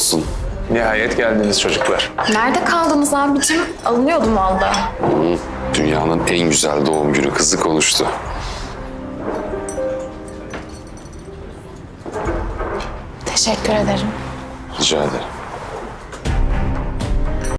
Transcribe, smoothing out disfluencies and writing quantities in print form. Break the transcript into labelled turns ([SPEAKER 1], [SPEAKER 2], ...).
[SPEAKER 1] olsun.
[SPEAKER 2] Nihayet geldiniz çocuklar.
[SPEAKER 3] Nerede kaldınız abicim? Alınıyordum valla.
[SPEAKER 1] Dünyanın en güzel doğum günü kızı konuştu.
[SPEAKER 3] Teşekkür ederim.
[SPEAKER 1] Rica ederim.